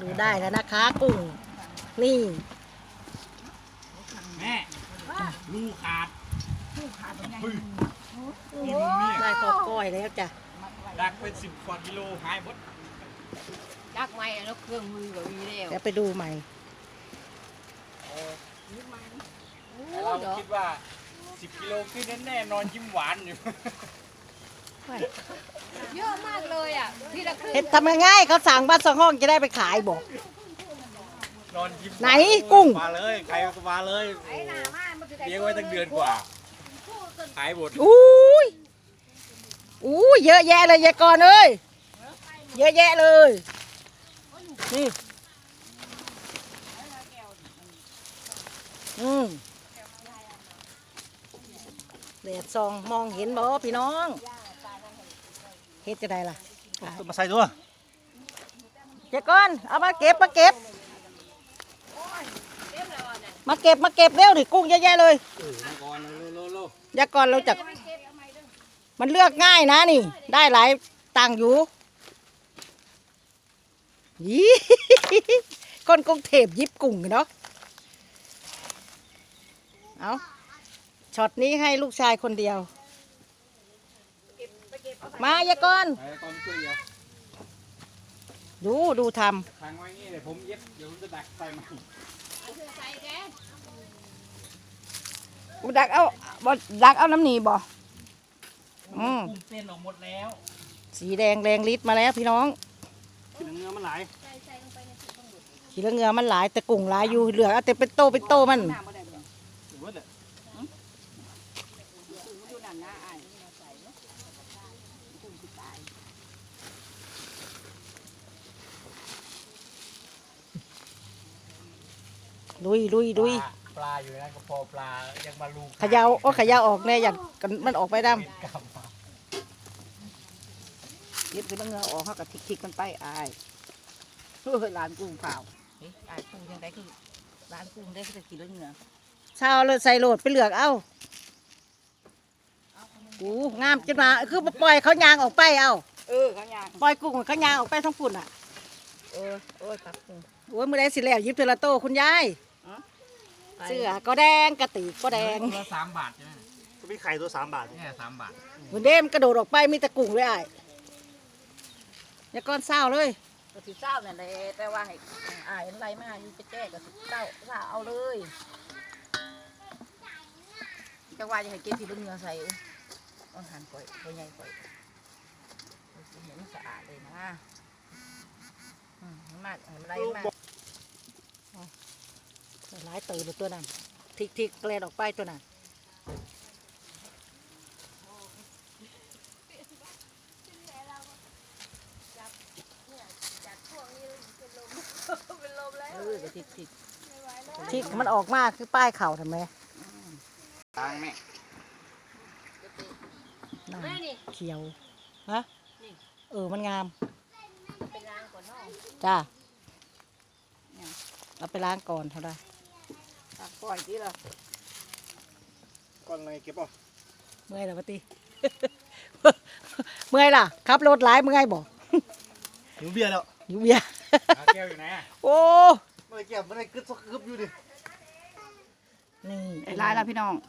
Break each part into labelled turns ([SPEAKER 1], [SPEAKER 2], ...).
[SPEAKER 1] ดูได้แล้วนะคะกุ้งนี่
[SPEAKER 2] แม่ลูกขาด
[SPEAKER 1] ได้พอก้อยแล้วจ้ะ
[SPEAKER 2] ดักเป็น10 กว่ากิโลหายหมด
[SPEAKER 3] ดักไม้แล้วเครื่องมือก็มีแล้ว
[SPEAKER 1] เดี๋ยวไปดูใหม่
[SPEAKER 2] เราคิดว่า10 กิโลขึ้นแน่ๆนอนยิ้มหวานอยู่
[SPEAKER 3] เยอะมากเลยอ่ะที่ละครึ่ง
[SPEAKER 1] เห็ดทำง่ายๆเขาสั่งบ้านสองห้องจะได้ไปขายบอก
[SPEAKER 2] นอนยิ้ม
[SPEAKER 1] ไหนกุ้ง
[SPEAKER 2] มาเลยใครก็มาเลยเลี้ยงไว้ตั้งเดือนกว่าขายหมด
[SPEAKER 1] อุ้ยเยอะแยะเลยยายกรเอ้ยเยอะแยะเลยนี่แดดซองมองเห็นบ่พี่น้องเฮ็ดจะได้ล่ะ
[SPEAKER 2] มาใส่ตัว
[SPEAKER 1] ยายกรเอามาเก็บมาเก็บเร็วดิกุ้งเยอะแยะเลยยายกรเราจักมันเลือกง่ายนะนี่ได้หลายตังค์อยู่ยี่คนกรุงเทพยิบกุ้งเนาะเอาช็อตนี้ให้ลูกชายคนเดียวมายายกรดูทำ
[SPEAKER 2] ทางไว้นี่เดี๋ยวผมเย็บเดี๋ยวผมจะดักใส่มา
[SPEAKER 1] ดักเอาน้ำหนีบ่
[SPEAKER 2] เส้นออกหมดแล้ว
[SPEAKER 1] สีแดงแรงฤทธิ์มาแล้วพี่น้อง
[SPEAKER 2] ขี้เงือมันหลาย
[SPEAKER 1] ขี้เงือมันหลายแต่กุ้งหลายอยู่เหลือแต่เป็นโตมันลุย
[SPEAKER 2] ปลาอยู่นะก็พอปลายังมาลูก
[SPEAKER 1] ขยาวออกแน่อยากมันออกไปดำเย็บขี้เงือออกเขากับทิกมันไปอายร้านกุ้งเปล่า
[SPEAKER 3] อายกุ้งยังได้คือร้านกุ้งได้คือกี่เรื่องเนื้อ
[SPEAKER 1] เช้าเลยใส่โหลดไปเหลือกเอางามจังมาคือปล่อยเขายางออกไปเอา
[SPEAKER 3] เขายาง
[SPEAKER 1] ปล่อยกุ้งเขายางออกไปทั้งฝุ่นอ่ะ
[SPEAKER 3] ครับ
[SPEAKER 1] โอ้ยมือแดงสิแล้วยิบเทละโตคุณยายเสื้อก็แดงกระติกก็แดง
[SPEAKER 2] ตัว3 บาทใช่ไหมก็มีไข่ตัว3 บาทเนี่ย3 บาท
[SPEAKER 1] เหมือนเดิมกระโดดออกไปมีตะกุ้งเลยไอ้อย่าก้อนเศร้าเลย
[SPEAKER 3] ก็สิเศร้าเนี่ยเลยแต่ว่าให้อะไรมาอยู่ไปแจ้ก็สิเศร้าเอาเลยจังว่าจะให้เก็บที่เนื้อใส่ต้องหั่นก่อยตัวใหญ่ก่อยเห็นสะอาดเลยนะมากอะไรมาก
[SPEAKER 1] หลายตื่นตัวนั้นทิกแกลดออกไปตัวนั้นทิกมันออกมากคือป้ายเข่าทำไม
[SPEAKER 2] ล้างแม่
[SPEAKER 1] เขียวฮะมันงามจ้าเอาไปล้างก่อนเท่าไร
[SPEAKER 3] ปล่อยที่เรา
[SPEAKER 2] ก่อนอะไรเก็บป่ะ
[SPEAKER 1] เมื่อยแล้วปะติเมื่อยล่ะขับรถหลายเมื่อยบอก
[SPEAKER 2] หิวเบียร์แล้วแก้วอยู่ไหน
[SPEAKER 1] โอ้
[SPEAKER 2] ไม่ได้เก็บไม่ได้กึบอยู่ดิ
[SPEAKER 1] นี่
[SPEAKER 3] ไอ้ลายแล้วพี่น้อง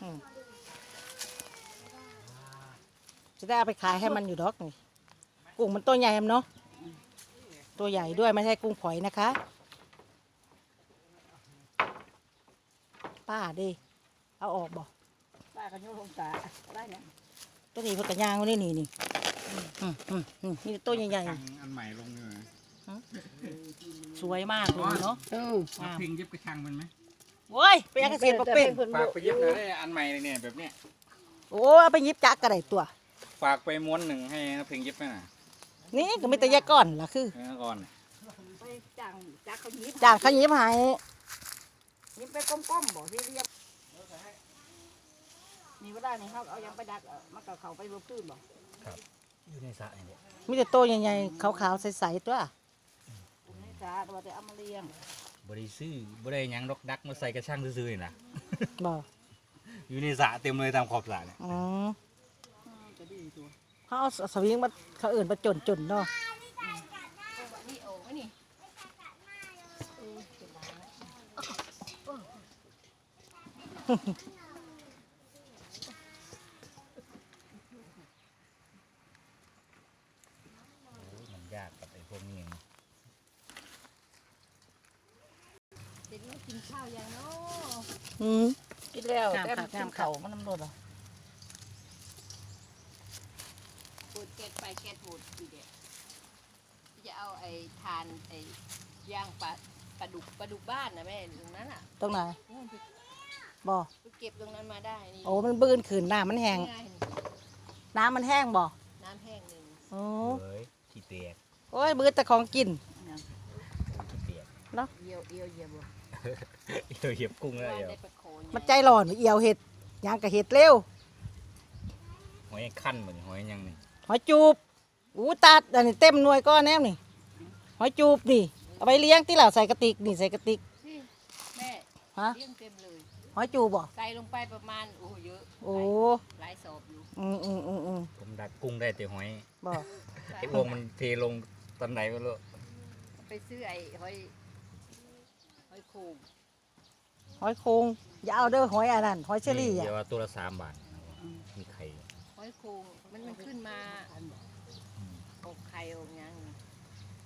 [SPEAKER 1] จะได้เอาไปขายให้มันอยู่ดอกนี่กุ้งมันตัวใหญ่เนาะตัวใหญ่ด้วยไม่ใช่กุ้งฝอยนะคะป้าดิเอาออกบ่
[SPEAKER 3] ป้ากันยุ่งลงตาได้เนี่ย
[SPEAKER 1] ตัวนี้เพิ่งกระย่างนี่นี่ตัวใหญ่ๆ
[SPEAKER 2] อันใหม่ลงเลย
[SPEAKER 1] สวยมากเลยเนาะ
[SPEAKER 2] พิงเย็บกระชังมันไหม
[SPEAKER 1] โอ้ยไปยังเกษตรปะเป็น
[SPEAKER 2] ฝากไปเย็บหน่อยได้อันใหม่เนี่ยแบบเนี้ย
[SPEAKER 1] โอ้เอาไปยิบจักกระไรตัว
[SPEAKER 2] ฝากไปม้วนหนึ่งให้พิงเย็บไหมน่ะ
[SPEAKER 1] นี่ก็ไม่แต่แยกก้อนล่ะคือ
[SPEAKER 2] ก้อน
[SPEAKER 3] จากเขายิ
[SPEAKER 1] บให้
[SPEAKER 3] ยิบไปก้มๆบอกที่เรียบมีก็ได้นี่เขาเอายังไปดักมากับเขาไปรบตื้นบอก
[SPEAKER 2] ครับอยู่ในสระนี่
[SPEAKER 1] มีแต่โตใหญ่ๆขาวๆใสๆตัว
[SPEAKER 3] ในสระตัวแต่เอามาเลี้ยง
[SPEAKER 2] บริซื้อบริยังดอกดักมาใส่กระช่างซื้อๆนะ
[SPEAKER 1] บ่
[SPEAKER 2] อยู่ในสระเต็มเลยตามขอบสระเนี่ย
[SPEAKER 1] เขาเอาสวิงมาเขาอื่นมาจนเนาะ
[SPEAKER 2] มันยากกับไอ้พวกนี้
[SPEAKER 3] เด็กกินข้าวยังเนาะ
[SPEAKER 1] อืม
[SPEAKER 3] กินแล้ว
[SPEAKER 1] งาม
[SPEAKER 3] แต่
[SPEAKER 1] ค่ะ
[SPEAKER 3] กิ
[SPEAKER 1] งาน มค่ะ
[SPEAKER 3] เข่ามันน้ำรดเหรอปวดเกล็ดไปเกล็ดปวดอีเด็กจะเอาไอ้ทานไอ้ย่างปลาดุกบ้านนะแม่ตรงนั้นอ่ะ
[SPEAKER 1] ตรงไหน
[SPEAKER 3] นู่นไป
[SPEAKER 1] บ่
[SPEAKER 3] เก็บตรงนั้นมาได้นี่
[SPEAKER 1] โอ้มันบื้นขืนน้ำมันแห้ง
[SPEAKER 3] ง่ายนี่
[SPEAKER 1] น้ำมันแห้งบ่
[SPEAKER 3] น้ำแห้งหนึ่ง
[SPEAKER 1] โอ้
[SPEAKER 2] เฮ้ยขี้เตียก
[SPEAKER 1] โอ้ยบื้นแต่ของกิน
[SPEAKER 2] ขี้เตียก
[SPEAKER 3] เยี่ยวบ่
[SPEAKER 2] เหี่ยวกุ้งแล้ว
[SPEAKER 3] ว่า
[SPEAKER 2] เดี๋ยว
[SPEAKER 3] ได้ปลาโคน
[SPEAKER 1] มันใจร้อนเอียวเห็ดยางกับเห็ดเร็ว
[SPEAKER 2] หอยขั้นเหมือนหอยยังนี่
[SPEAKER 1] หอยจูบอู้ตัดอันนี้เต็มหน่วยก้อนแนมนี่หอยจูบนี่เอาไปเลี้ยงที่หล่าใส่กระติกนี่ใส่กระติก
[SPEAKER 3] นี่แม่
[SPEAKER 1] ฮะ
[SPEAKER 3] เลี้ยงเต็มเลย
[SPEAKER 1] หอยจูบบ่
[SPEAKER 3] ใส่ลงไปประมาณโอ้เยอะ
[SPEAKER 1] โอ้
[SPEAKER 3] หลายสอบอยู่
[SPEAKER 1] อืม
[SPEAKER 2] ผมดักกุ้งได้แต่หอย
[SPEAKER 1] บ่
[SPEAKER 2] ไอ้วงมันเทลงตอนไหนไม่รู้
[SPEAKER 3] ไปซื้อไอ้หอยโขง
[SPEAKER 1] หอยโคงอย่าเอาเด้อหอยอันนั้นหอยเชอรี่อ่ะ
[SPEAKER 2] เดี๋ยวว่าตัวละ3 บาทมีไข่
[SPEAKER 3] หอยโขงมันขึ้นมาออกไข่ออกหยัง
[SPEAKER 1] อ